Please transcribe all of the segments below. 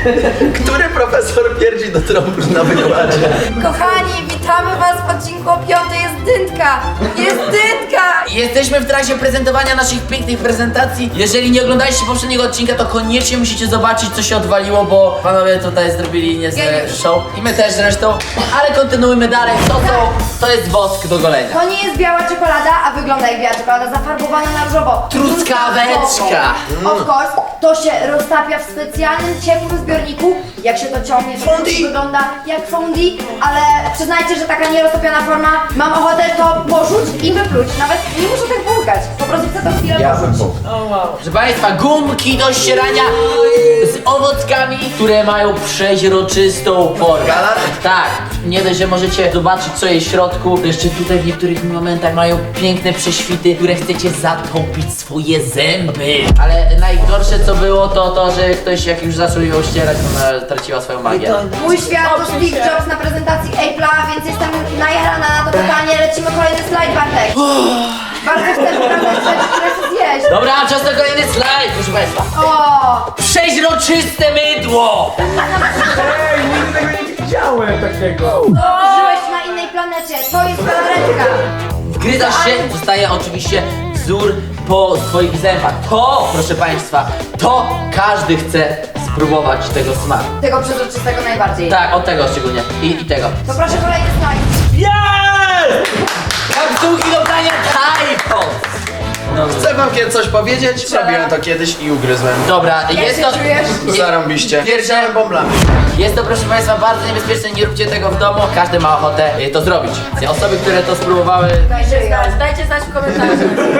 Który profesor pierdzi do trąb na wykładzie? Kochani, witamy was w odcinku o 5. Jest dyntka! Jest dyntka! Jesteśmy w trakcie prezentowania naszych pięknych prezentacji. Jeżeli nie oglądaliście poprzedniego odcinka, to koniecznie musicie zobaczyć, co się odwaliło, bo panowie tutaj zrobili niezłe show. I my też zresztą. Ale kontynuujmy dalej. To jest wosk do golenia. To nie jest biała czekolada, a wygląda jak biała czekolada, zafarbowana na różowo. Truskaweczka. Of course, to się roztapia w specjalnym, ciepłym zbiorniku. Jak się to ciągnie, to wygląda jak fondi, ale przyznajcie, że taka nieroztopiona forma, mam ochotę to porzuć i wypluć. Nawet nie muszę tak płukać, po prostu chcę to chwilę porzuć. Proszę państwa, gumki do ścierania z owockami, które mają przeźroczystą formę. Galaret? Tak, nie dość, że możecie zobaczyć, co jest w środku, to jeszcze tutaj w niektórych momentach mają piękne prześwity, które chcecie zatopić swoje zęby. Ale najgorsze co było to, że ktoś jak już zaczął ją ścierać, ona traciła swoją magię. Mój świat to Steve Jobs na prezentacji Apple'a, więc jestem najarana na to pytanie. Lecimy kolejny slajd, Bartek. Bardzo chcę pokazać rzeczy, które chcę zjeść. Dobra, czas na kolejny slajd, proszę państwa. O! Przeźroczyste mydło! Ej, nigdy tego nie widziałem takiego. Żyłeś na innej planecie, to jest galaretka. Wgryzasz się, zostaje oczywiście wzór po swoich zębach. To, proszę państwa, to każdy chce spróbować tego smaku. Tego przezroczystego najbardziej. Tak, od tego szczególnie. I tego. To proszę kolejny slajd. Jest! Kapsułki do prania Typos! No, Chcę wam coś powiedzieć, robiłem to kiedyś i ugryzłem. dobra, Jak jest się to... czujesz? Zarąbiście. Pierwsze bąblami. Jest to, proszę państwa, bardzo niebezpieczne, nie róbcie tego w domu. Każdy ma ochotę to zrobić. Osoby, które to spróbowały... Dajcie znać w komentarzu.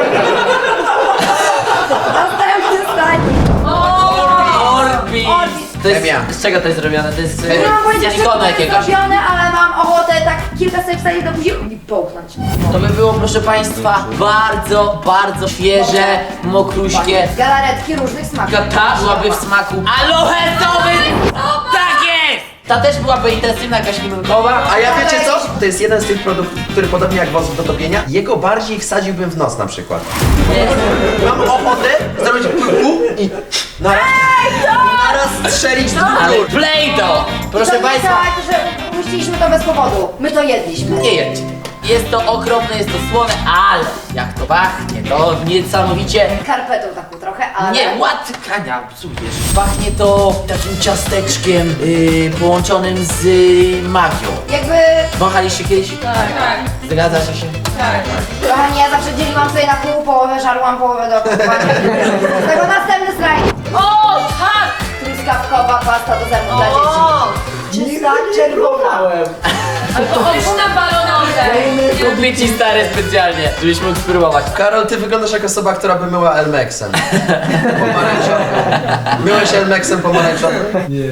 Następny slajd. Orbis! To jest, Chemia. z czego to jest zrobione? To jest Nie mam pojęcia, z co silikonu to jest jakiegoś. zrobione, ale mam ochotę tak kilka sobie wsadzić do buzi i połknąć. To by było, proszę państwa, bardzo świeże, mokruśkie. Galaretki różnych smaków. Ta byłaby w smaku aloesowy! Tak jest! Ta też byłaby intensywna, jakaś limonkowa. A ja wiecie co? To jest jeden z tych produktów, który podobnie jak wosk do topienia, jego bardziej wsadziłbym w nos na przykład. Mam ochotę zrobić pu i naraz strzelić Ale dwóch. Play-Doh! Proszę to nie państwa, tak, że puściliśmy to bez powodu. My to jedliśmy. nie jedźcie. Jest to okropne, jest to słone, ale jak to pachnie, to niesamowicie... Karpetą taką trochę, ale... Nie, łatkania, psujesz. Pachnie to takim ciasteczkiem połączonym z magią. Jakby... Wąchaliście kiedyś? Tak. Zgadzacie się? Kochani, ja zawsze dzieliłam sobie na pół, połowę żarłam, połowę do kupowania. Z tego następny slajd. O, tak! Truskawkowa pasta do zębów dla dzieci. Czysta, czerwona. Pyszne balonowe! Kupię ci stary specjalnie, żebyś mógł spróbować. Karol, ty wyglądasz jak osoba, która by myła Elmexem. Pomarańczowym. Myłeś Elmexem pomarańczowym?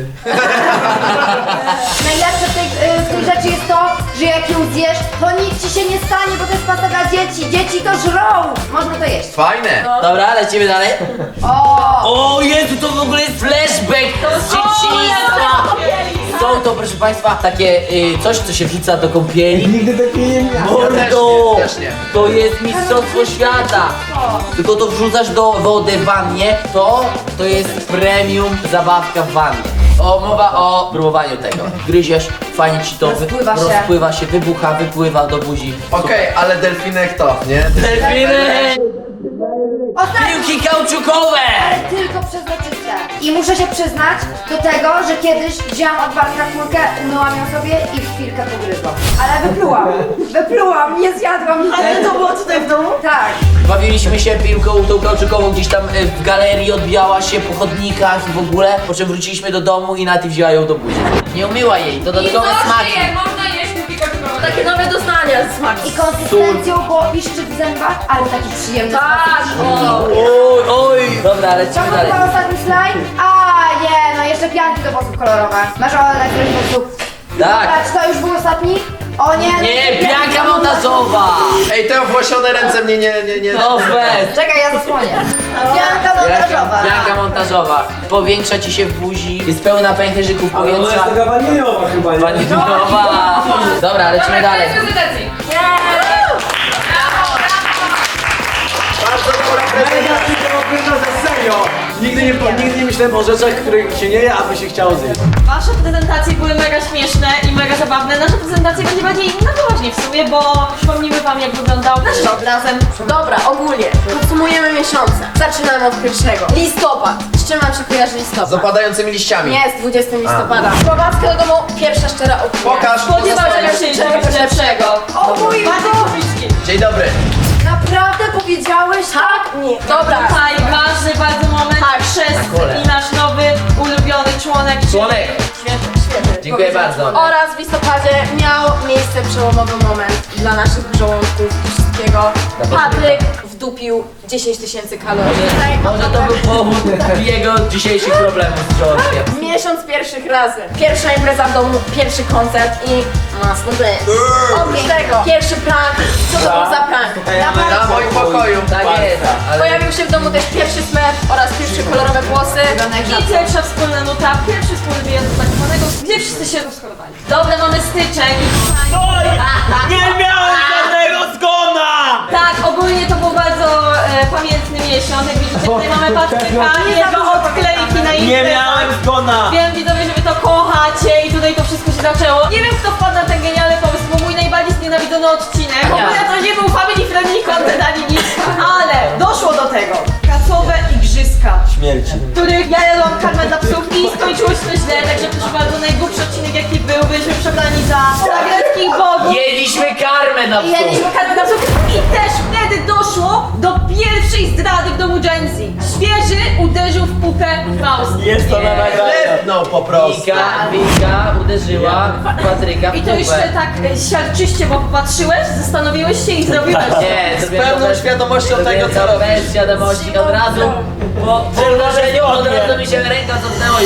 Najlepsze w tej rzeczy jest to, że jak ją zjesz, to nic ci się nie stanie, bo to jest pasta dla dzieci. Dzieci to żrą. Można to jeść. Fajne. Dobra, lecimy dalej. O! O Jezu, to w ogóle jest flashback z dzieciństwa. Są to, proszę państwa, takie coś, co się wrzuca do kąpieli. Nigdy takiej nie miałem. Mordo! też nie. To jest mistrzostwo świata! Tylko to wrzucasz do wody w wannie, to jest premium zabawka w wannie. O, mowa o próbowaniu tego. Gryziesz, fajnie ci to Rozpływa się. wybucha, wypływa do buzi. Okej, ale delfinek to, nie? Delfiny! Ostatni, Piłki kauczukowe! ale tylko przezroczyste. I muszę się przyznać do tego, że kiedyś wzięłam od Bartka kulkę, umyłam ją sobie i w chwilkę pogryzłam. Ale wyplułam, nie zjadłam nic. Ale to było tutaj w domu? Tak. Bawiliśmy się piłką tą kauczukową, gdzieś tam w galerii odbijała się po chodnikach i w ogóle, po czym wróciliśmy do domu i Nati wzięła ją do buzi. Nie umyła jej, to dodatkowe smaki. Można jeść kupić takie nowe doznania z smaku. I konsystencją, bo piszczy w zębach, ale taki przyjemny Tak, o. Oj, oj! Dobra, lecimy To dalej. chyba ostatni slajd? A nie, no jeszcze pianki do włosów kolorowe. Masz ochotę na któryś sposób? Tak. Czy to już był ostatni? O nie! Nie, pianka montażowa! Ej, te owłosione ręce mnie nie... No weź! Czekaj, ja zasłonię. Pianka montażowa. Pianka montażowa. Powiększa ci się w buzi, jest pełna pęcherzyków Ale ona jest powietrza. taka waniliowa chyba, nie? Waniliowa! Dobra, lecimy dalej. Prezentacji. Bardzo dobra Mega tylko za serio. serio! Nigdy nie myślałem o rzeczach, których się nie je, aby się chciało zjeść. Wasze prezentacje były mega śmieszne i mega zabawne. Nasza prezentacja będzie bardziej na poważnie w sumie, bo przypomnimy wam, jak wyglądał nasz rok razem. Dobra, ogólnie. Podsumujemy miesiące. Zaczynamy od pierwszego. Listopad. Z czym wam się kojarzy Z listopad? opadającymi liściami. Nie, z 20 listopada. Słowacka do domu, pierwsza szczera opinia. Pokaż. Spodziewał się czegoś lepszego. O mój Bartek Boże! Kubicki. Dzień dobry. Naprawdę powiedziałeś tak? Nie. Dobra. Tutaj ważny bardzo moment. Tak, kole. I nasz nowy, ulubiony członek. Członek. Świetnie. Dziękuję Powiedziałeś. bardzo. Oraz w listopadzie miał miejsce przełomowy moment dla naszych żołądków i wszystkiego. Patryk wdupił 10 000 kalorii. Tutaj Może to był powód jego dzisiejszych problemów z żołądkiem. miesiąc pierwszych razy. Pierwsza impreza w domu, pierwszy koncert i mocno dance. Oprócz tego, pierwszy prank. Co to był za prank? Na moim pokoju. Tak jest. Ale Pojawił się w domu też pierwszy smef oraz pierwsze kolorowe włosy. I pierwsza wspólna nuta, pierwszy wspólny wyjazd do tak zwanego, gdzie wszyscy się rozchorowali. Dobra, mamy styczeń. Nie miałem żadnego zgona! Tak, ogólnie to był bardzo pamiętny miesiąc. Jak widzicie, tutaj mamy Patryka i jego odklejki na Nie imprezach. miałem zgona! Wiem, widzowie, że wy to kochacie i tutaj to wszystko się zaczęło. Nie wiem, kto wpadł na ten genialny pomysł, bo mój najbardziej znienawidzony odcinek. W ogóle to nie był family friendly content ani nic, ale doszło do tego. Kasowe igrzyska, Śmierci. w których ja jadłam karmę dla psów i skończyło się to źle, także proszę bardzo, najgłupszy odcinek jaki był, byliśmy przebrani za greckich bogów. jedliśmy karmę na I jedliśmy karmę dla psów i też wtedy doszło do pierwszej zdrady w domu Gen Z. Świeży uderzył w pupę Faust. Jest to na nagraniu. No po prostu. Wika uderzyła Patryka w I to jeszcze dupę. tak siarczyście, bo popatrzyłeś, zastanowiłeś się i zrobiłeś to. Nie, Z pełną świadomością tego, co robię. robisz. Bez świadomości od razu. Po uderzeniu od razu mi się ręka cofnęła i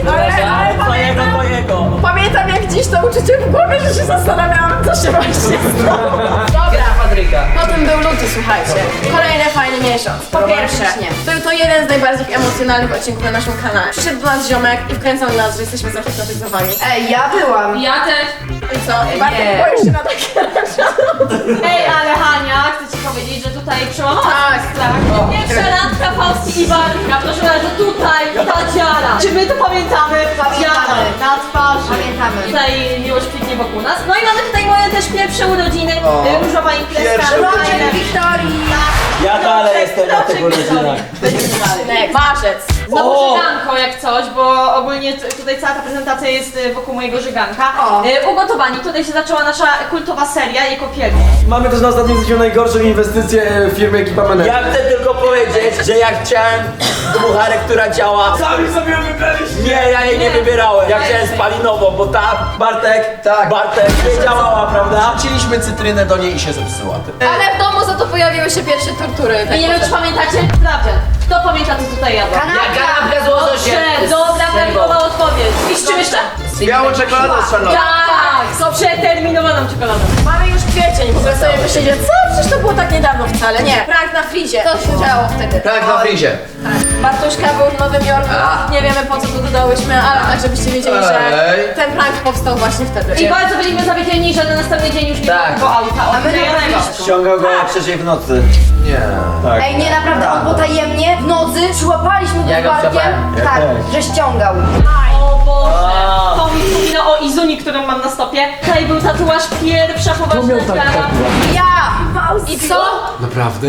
Twojego. Pamiętam jak dziś to uczucie w głowie, że się zastanawiałam, co się właśnie stało. Dobra. Patryka. Potem był luty, słuchajcie. Kolejny fajny miesiąc. Po pierwsze, był to jeden z najbardziej emocjonalnych odcinków na naszym kanale. Przyszedł do nas ziomek i wkręcał nas, że jesteśmy zahipnotyzowani. Ej, ja byłam. Ja też. I co? I Bartek Nie. boisz się na takie rzeczy. Ej, ale Hania, chcę ci powiedzieć, że tutaj przełamała Tak. strach. Pierwsza randka Fausti i Bartka, proszę bardzo, tutaj ta dziara. Czy my to pamiętamy? Pamiętamy. Dziara na twarzy. Pamiętamy. Tutaj miłość kwitnie wokół nas. No i mamy tutaj moje też pierwsze urodziny. O, Różowa imprezka. pierwsze Rodzic urodziny. Wiktorii. Ja dalej jestem na tych urodzinach. Marzec. Znowu żyganko jak coś, bo ogólnie tutaj cała ta prezentacja jest wokół mojego żyganka. O. Ugotowani. Tutaj się zaczęła nasza kultowa seria jako pierwsza. Mamy też na ostatnim zdjęciu najgorszą inwestycję firmy Ekipa Menedżer. Ja chcę tylko powiedzieć, że jak chciałem dmucharę, która działa. Sami sobie ją wybraliście! Nie, ja jej nie wybierałem. Ja chciałem spalinową, bo ta Bartek nie działała, prawda? Wrzuciliśmy cytrynę do niej i się zepsuła. Ale w domu za to pojawiły się pierwsze tortury. I nie wiem, czy pamiętacie? Sprawdzian. Kto pamięta, co tutaj jadła? Kanapka z łososiem. Dobrze, dobra, prawidłowa odpowiedź. I z czym jeszcze? Białą czekoladą z szarlotą. Tak, z przeterminowaną czekoladą. Mamy już kwiecień, w ogóle sobie myślicie, co? Przecież to było tak niedawno wcale. Nie, prank na frizie. To się działo wtedy. Tak, na frizie. Tak. Bartuszka był w Nowym Jorku. Nie wiemy po co to dodałyśmy, ale tak żebyście wiedzieli, że Ej. ten prank powstał właśnie wtedy. I bardzo byliśmy zawiedzieni, że na następny dzień już nie Tak. było auta. A my Ściągał go jak przeszej w nocy. Nie. Tak. Ej, nie, naprawdę, on potajemnie w nocy przyłapaliśmy go Ja z go Bartkiem. przyłapałem. Ja Tak, też. że ściągał. O Boże, to mi przypomina o Izuni, którą mam na stopie. Tutaj był tatuaż, pierwsza poważna sprawa. Ja! I co? Naprawdę?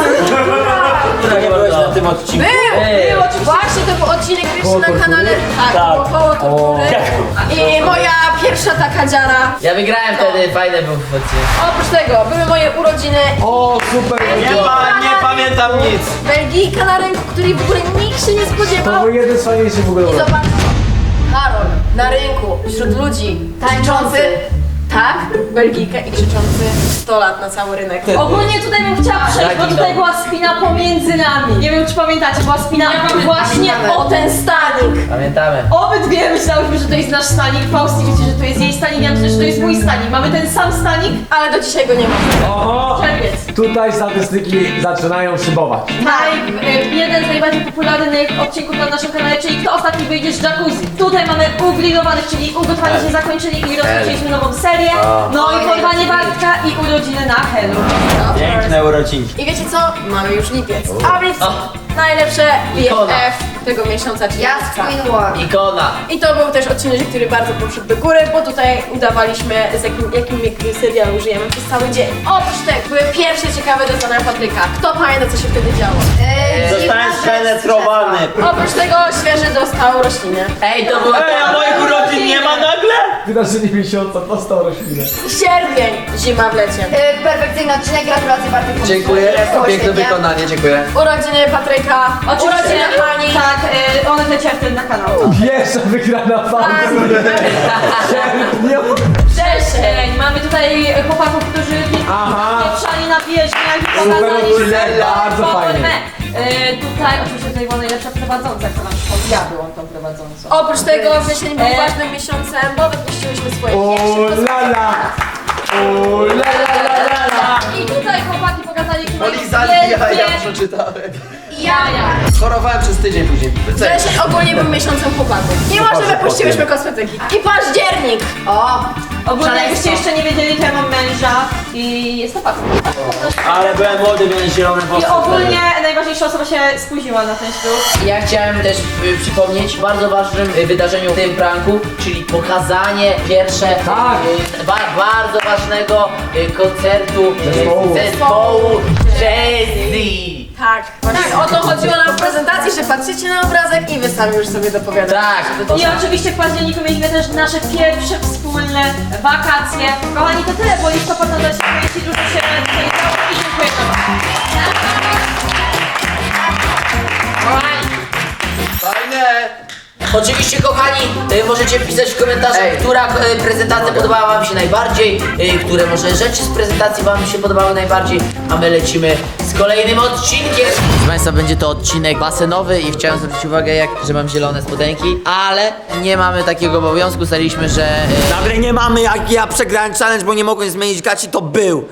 Nie byłeś na tym odcinku. Było oczywiście. Właśnie to był odcinek pierwszy na kanale. Tak, Tak. około tortury. I moja pierwsza taka dziara. Ja wygrałem wtedy, fajny był odcinek. Oprócz tego były moje urodziny. O, super! Nie pamiętam nic. Belgijka na rynku, której w ogóle nikt się nie To spodziewał. był jeden z fajniejszych w ogóle. I zobacz, Karol na rynku, wśród ludzi, tańczący, tak, Belgijkę i krzyczący 100 lat na cały rynek. Ogólnie tutaj bym chciała przejść, bo tutaj była spina pomiędzy nami. Nie wiem, czy pamiętacie, była spina właśnie o ten stanik. Pamiętamy. Obydwie myślałyśmy, że to jest nasz stanik. Fausti wiecie, że to jest jej stanik, ja myślę, że to jest mój stanik. Mamy ten sam stanik, Ale do dzisiaj go nie ma. Oho! czerwiec. Tutaj statystyki zaczynają szybować. Jeden z najbardziej popularnych odcinków na naszym kanale, czyli kto ostatni wyjdzie z jacuzzi. Tutaj mamy ugrillowanych, czyli ugotowanie się zakończyli i rozpoczęliśmy nową serię. No i porwanie Bartka i urodziny na Helu. Piękne urodzinki. I wiecie co? Mamy już lipiec. A więc najlepsze Ikona. BFF tego miesiąca, czyli Ja z Lipca. Queen War. Ikona. I to był też odcinek, który bardzo poszedł do góry, bo tutaj udawaliśmy, z jakim serialu żyjemy przez cały dzień. Oprócz tego były pierwsze ciekawe doznania Patryka. Kto pamięta, co się wtedy działo? Zostałem spenetrowany. Oprócz tego świeży dostał roślinę. Ej, to było... Ej, a moich urodzin nie ma nagle? Wydarzenie miesiąca, dostał roślinę. Sierpień, zima w lecie. Perfekcyjny odcinek, gratulacje Bartek. Dziękuję, Było piękne świetnie. wykonanie, dziękuję. Urodziny Patryka, urodziny Hani. Tak, one leciały wtedy na kanał. Pierwsza wygrana walka. Wrzesień, mamy tutaj chłopaków, którzy Pieprzali na wierzchniach i Super pokazali, odcinek, bardzo fajnie. Tutaj oczywiście tutaj była najlepsza prowadząca, która nam przychodzi. Ja byłam tą prowadzącą. Oprócz tego wrzesień był ważnym miesiącem, bo wypuściłyśmy swoje O pierwsze la la. O la la la la la. I tutaj chłopaki pokazali, jakie mają Polizali, ja wielkie przeczytałem. jaja. Chorowałem przez tydzień później. Wrzesień ogólnie był miesiącem chłopaków. Mimo, że wypuściłyśmy kosmetyki. I październik. O, Ogólnie jakbyście jeszcze nie wiedzieli, to ja mam męża i jest to fakt. Ale byłem młody, miałem zielone I włosy. ogólnie najważniejsza osoba się spóźniła na ten ślub. Ja chciałem też przypomnieć o bardzo ważnym wydarzeniu w tym pranku, czyli pokazanie pierwsze bardzo ważnego koncertu Zespołu. Jazzy. Tak. Tak, o to chodziło nam w prezentacji, że patrzycie na obrazek i wy sami już sobie dopowiadacie. Tak. I oczywiście w październiku mieliśmy też nasze pierwsze wspólne wakacje. Kochani, to tyle, bo listopad nadal się kręci, dużo się tutaj działo i dziękuję wam. Fajne! Oczywiście kochani, możecie pisać w komentarzach, która prezentacja podobała wam się najbardziej, które może rzeczy z prezentacji wam się podobały najbardziej, a my lecimy z kolejnym odcinkiem. Proszę Państwa, będzie to odcinek basenowy i chciałem zwrócić uwagę, że mam zielone spodenki, ale nie mamy takiego obowiązku, staliśmy, że... Nagle nie mamy, jak ja przegrałem challenge, bo nie mogłem zmienić gaci, to był.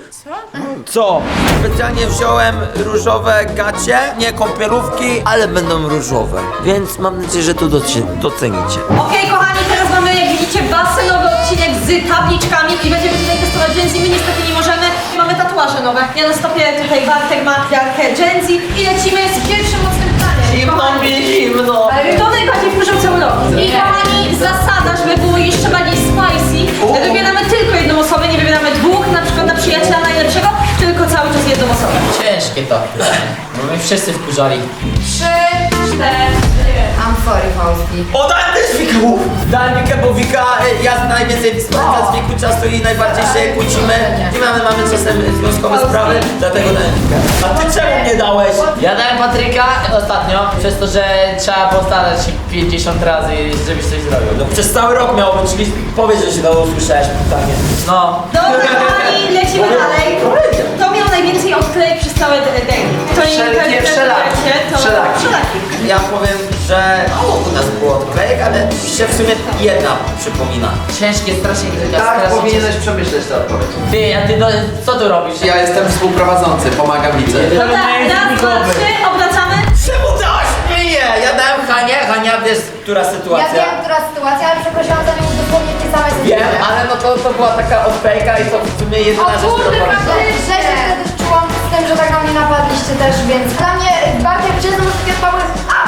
Co? Specjalnie wziąłem różowe gacie, nie kąpielówki, ale będą różowe. Więc mam nadzieję, że to docenicie. Okej, kochani, teraz mamy, jak widzicie, basenowy odcinek z tabliczkami i będziemy tutaj testować Gen Z. My niestety nie możemy i mamy tatuaże nowe. Ja na stopie tutaj Bartek ma wiarkę Gen Z i lecimy z pierwszym mocnym pytaniem. Zimno mi, zimno! Kto najbardziej wkurzał cały rok? I kochani, zasada, żeby było jeszcze bardziej spicy, wybieramy tylko jedną osobę, nie wybieramy dwóch, na przykład na przyjaciela najlepszego, tylko cały czas jedną osobę. Ciężkie to, bo mnie wszyscy wkurzali. 3, 4. I'm sorry, Fausti. O, dałem też Wiku! Dałem Wikę, bo Wika, ja najwięcej spędzam z Wiku czasu i najbardziej się kłócimy. I mamy czasem związkowe sprawy, dlatego dałem Wikę. A ty czemu nie dałeś? Ja dałem Patryka ostatnio, przez to, że trzeba postarać się 50 razy, żebyś coś zrobił. No przez cały rok miało być, czyli powiedz, że się dało usłyszałeś pytanie. No. Dobra, kochani, lecimy dalej. Kto miał najwięcej odklejek przez całe dęgi? To nie Wszelkie wszelaki. Wszelaki. Ja powiem, że mało u nas było odklejek, ale mi się w sumie jedna przypomina. Ciężkie, strasznie Tak, powinieneś przemyśleć tę odpowiedź. Ty, a ty co tu robisz? Ja jestem współprowadzący, pomagam widzę. No tak, raz, dwa, trzy, obracamy. Czemu dałaś mnie? Ja dałem Hanie, Hania wiesz, która Ja sytuacja. wiem, która sytuacja, ale przeprosiłam za nią dosłownie w tej samej Wiem, ale no to była taka odklejka i to w sumie jedyna rzecz, którą pamiętam. Że się wtedy czułam z tym, że tak na mnie napadliście też, więc dla mnie bardziej wczesne może takie odpały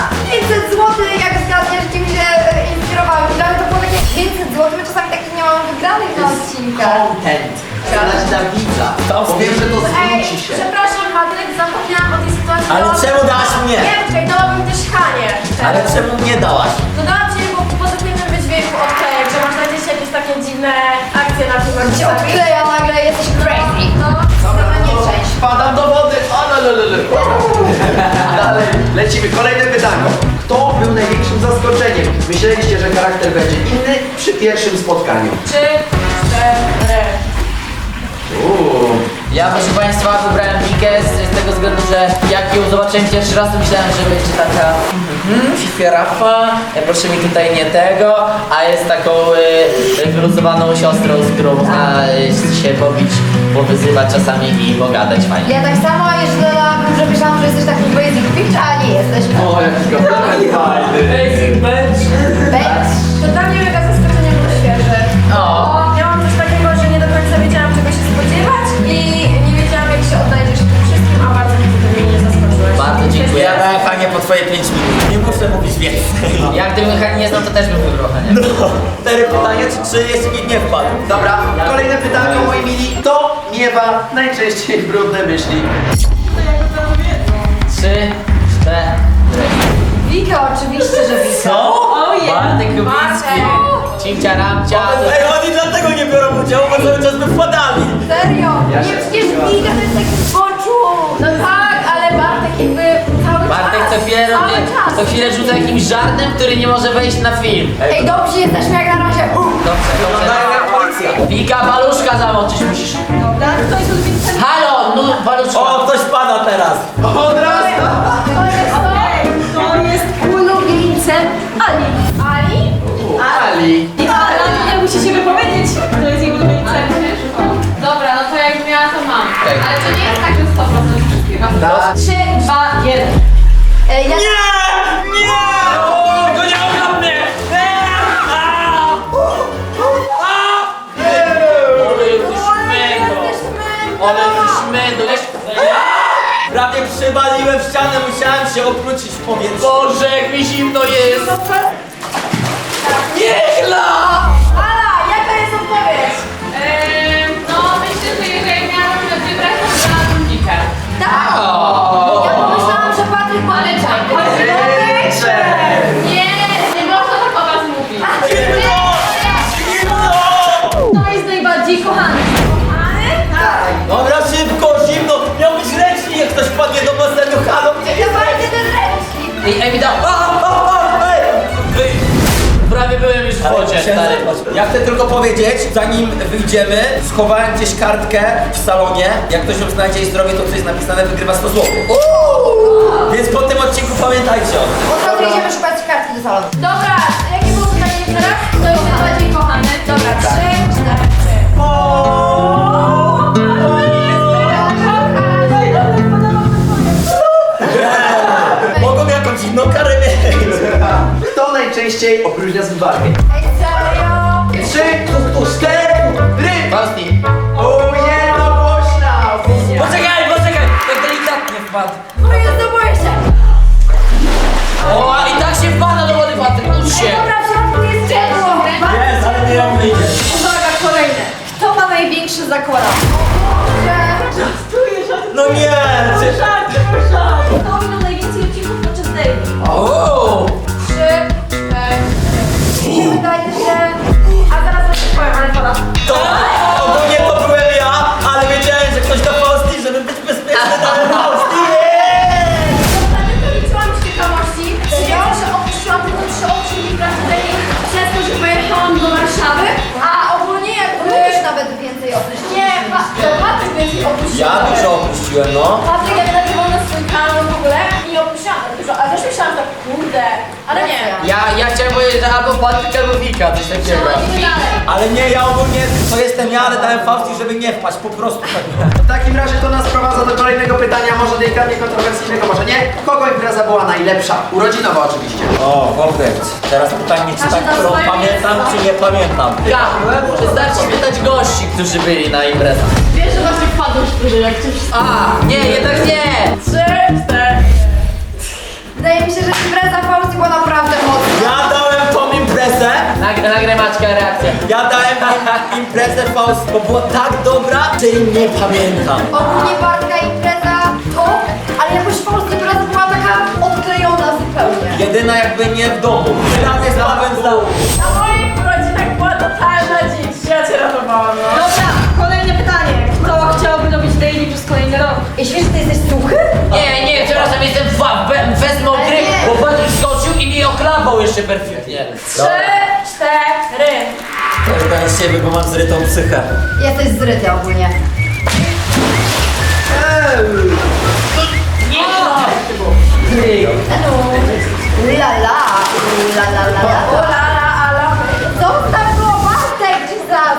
500 zł, jak zgadniesz, gdzie mi się inspirowały. I dla mnie to było takie 500 zł, my czasami takich nie mamy wygranych na odcinkach. Content. Zadać dla widza. Powiem, że to zwróci się. Przepraszam, Patryk, zapomniałam o tej sytuacji. Ale Dałabym- czemu dałaś mnie? Nie, czekaj, dałabym też Hanie. Ale czemu nie dałaś? Dodałam ci po pozytywnym wydźwięku odklejek, że można gdzieś jakieś takie dziwne akcje na tym Cię odkleja nagle, jesteś crazy. No, Dobra, nie część. Padam do wody! Dalej, lecimy. Kolejne pytanie. Kto był największym zaskoczeniem? Myśleliście, że charakter będzie inny przy pierwszym spotkaniu. 3, 4. Ja, proszę Państwa, wybrałem Wikę z tego względu, że jak ją zobaczyłem pierwszy raz, to myślałem, że będzie taka fifierafa, proszę mi tutaj nie tego, a jest taką wyluzowaną siostrą, z którą można się pobić, powyzywać czasami i pogadać fajnie. Ja tak samo jeszcze dodałabym, że myślałam, że jesteś taki basic bitch, a nie jesteś. O, jaki komplement fajny. Bitch. To dla mnie mega zaskoczenie było świeże. O. Miałam coś takiego, że nie do końca wiedziałam, czego się spodziewać i nie wiedziałam, jak się odnajdziesz w tym wszystkim, a bardzo mnie to mnie nie zaskoczyłeś. Bardzo dziękuję. Ja dałem Hanie po twoje 5 minut. Nie muszę mówić więcej. Jak gdybym Hani nie znał, to też bym wybrał Hanię. No, 4 pytania, czy 3 jeszcze nikt nie wpadł. Dobra, kolejne pytanko, moi mili. Kto miewa najczęściej brudne myśli? 3, 4. Wika, oczywiście, że Wika. Co? Bartek Kubicki. Cimcia ramcia. Ej, oni dlatego nie biorą udziału, bo cały czas by wpadali. Serio? Nie, przecież Wika to jest taki zboczu. No tak, ale Bartek jakby cały Bartek czas. co chwilę cały robi, czas. co chwilę rzuca jakimś żartem, który nie może wejść na film. Ej, dobrze jesteśmy jak na razie. Dobrze, Wyglądają dobrze. jak policja. Wika, paluszka zamoczyć musisz. Dobra, kto jest odwiedziny? Halo, no paluszka. O, ktoś pada teraz. Od razu! To jest Ulubieńcem Ali. Ali? Ali. Ale tutaj musi się wypowiedzieć, kto jest jej ulubieńcem. Dobra, no to jak miała, to mam. Tak. Ale to nie jest tak, że 100% wszystkiego. 3, 2, 1. ja... Nie! O, to nie ogra mnie! Ale szmędo, Prawie przywaliłem w ścianę, musiałem się obrócić w powietrzu. Boże, jak mi zimno jest. Ala, jaka jest odpowiedź? No myślę, że jeżeli miałam wybrać, to wybrałabym Wika. Tak. Ja pomyślałam, że Patryk Nie można tak o was mówić. Kto jest najbardziej kochany? Dobra, szybko, zimno. Miał być ręcznik, jak ktoś wpadnie do basenu. Halo, gdzie Ja jest bardzo ten ręcznik. Ej, mi dał. Prawie byłem już w wodzie, stary. Ja chcę tylko powiedzieć, zanim wyjdziemy, schowałem gdzieś kartkę w salonie. Jak ktoś ją znajdzie i zrobi to, co jest napisane, wygrywa 100 zł. Więc po tym odcinku pamiętajcie o tym. Od razu idziemy szukać kartki do salonu. Dobra, jakie było pytanie teraz? Kto jest najbardziej kochany? Dobra, 3, 4. Mogą jakąś inną karę mieć. Kto najczęściej opróżnia zmywarkę? Ej, serio? 3, 4, Fausti. O, jednogłośna opinia. Poczekaj, tak delikatnie wpadł. O Jezu, boję się. O, i tak się wpada do wody, Patryk, ucz się. Ej, dobra, w środku jest ciepło. Jest, ale nie ją wyjdzie. Uwaga, kolejne. Kto ma największy zakład? No nie! Kto miał najwięcej odcinków podczas daily? O, 3, 4. Wydaje się... A zaraz coś powiem, ale pada. To ogólnie to byłem ja, ale wiedziałem, że ktoś da Fausti, żeby być bezpieczny, dałem Fausti. Liczyłam z ciekawości, stwierdziłam, że opuściłam tylko 3 odcinki pracy przez to, że pojechałam do Warszawy. A ogólnie jakby... Już nawet więcej opuścił. Nie, to Patryk więcej opuścił. Ja dużo opuściłem, no. Patryk jak nagrywał na swój kanał w ogóle i opuściłam tak dużo, ale też myślałam tak, kurde, ale nie. ja chciałem powiedzieć, że albo Patryk, albo Wika, coś takiego. Idziemy dalej. Ale nie, ja ogólnie to jestem ja, ale dałem Fausti, żeby nie wpaść, po prostu tak. W takim razie to nas prowadza do kolejnego pytania, może delikatnie kontrowersyjnego, może nie. Kogo impreza była najlepsza? Urodzinowa oczywiście. O, Robert. Teraz pytanie, czy tak, którą pamiętam, czy nie pamiętam. Ja, wystarczy pytać gości, którzy byli na imprezach. Wiesz, że właśnie wpadłeś później, jak cię wszystko. A, nie, jednak nie. 3, 4. Wydaje mi się, że impreza Fausti była naprawdę mocna. Ja dałem tą imprezę, Nagraj Maćka reakcję. ja dałem imprezę Faust, bo była tak dobra, że jej nie pamiętam. Ogólnie Bartka impreza to, ale jakoś Fausti impreza była taka odklejona zupełnie. Jedyna jakby nie w domu. Prawie z Pawłem zdał. Na moich urodzinach była totalna dzicz. Ja cię ratowałam, no. Dobra, kolejne pytanie. Kto chciałby robić daily przez kolejny rok? Jeśli wiesz, że ty jesteś suchy? Nie, przepraszam, jestem bez mokry, bo Patryk skoczył i mi oklapał jeszcze perfidnie. 3, 4. Pewnie z siebie, bo mam zrytą psychę. Jesteś zryty ogólnie. La la, la la la la. O la la, ala. Zostaw go, Bartek, Jesus!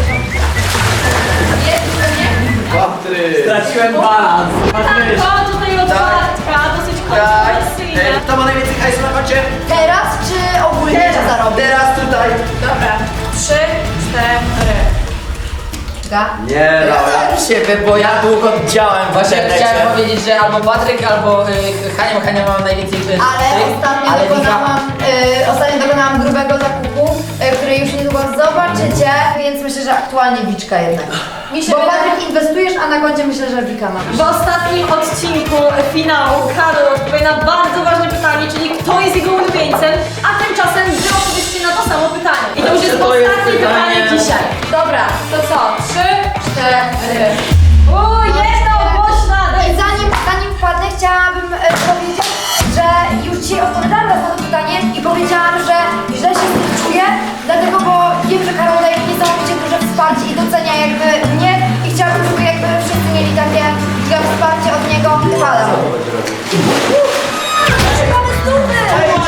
Patryk. Straciłem balans. To tutaj otwartka, dosyć kontrowersyjna. Kto ma najwięcej hajsu na koncie? Teraz czy ogólnie czy zarobię? Teraz tutaj. Dobra. 3, 4. Wiczka? Nie, Laura. Siebie, bo ja długo działałem w Właśnie internecie. chciałem powiedzieć, że albo Patryk, albo Hania ma najwięcej Ale ostatnio dokonałam grubego zakupu, który już niedługo zobaczycie, więc myślę, że aktualnie Wiczka jednak. Mi się Bo wydaje- Patryk inwestujesz, a na koncie myślę, że Wika ma. W ostatnim odcinku finału Karol odpowie na bardzo ważne pytanie, czyli kto jest jego ulubieńcem, a tymczasem wy odpowiedzcie na to samo pytanie. I to już jest To jest ostatnie pytanie pytanie. dzisiaj. Dobra, to co? 3, 4. O, jest to głośna! I zanim wpadnę, chciałabym powiedzieć, że już dzisiaj odpowiadałam raz na to pytanie i powiedziałam, że źle się z tym czuję, dlatego, bo wiem, że Karol daje niesamowicie duże wsparcie i docenia jakby mnie i chciałabym, żeby jakby wszyscy mieli takie wsparcie od niego. Halo. Szukamy stówy!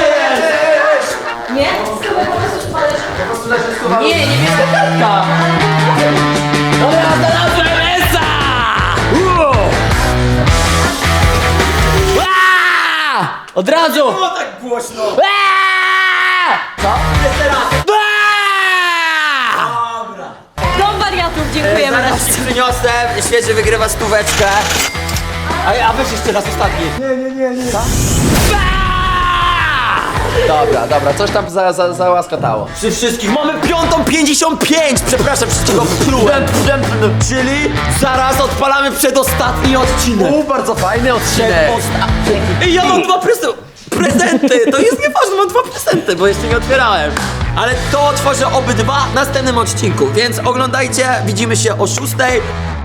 Nie? Chyba po prostu szpalesz. Nie, niebieska kartka! Dobra, znalazłem Esa! Od razu! Było tak głośno. Co? Dom wariatów, dziękujemy. Zaraz ci przyniosę, świeży wygrywa stóweczkę. A weź jeszcze raz ostatni. Dobra, coś tam załaskatało. Przy wszystkich mamy 5:55! Przepraszam, wszystkiego plułem. Czyli zaraz odpalamy przedostatni odcinek. Bardzo fajny odcinek. I ja mam 2 prezenty! To jest nieważne, mam 2 prezenty, bo jeszcze nie otwierałem. Ale to otworzę obydwa w następnym odcinku, więc oglądajcie, widzimy się o 6:00.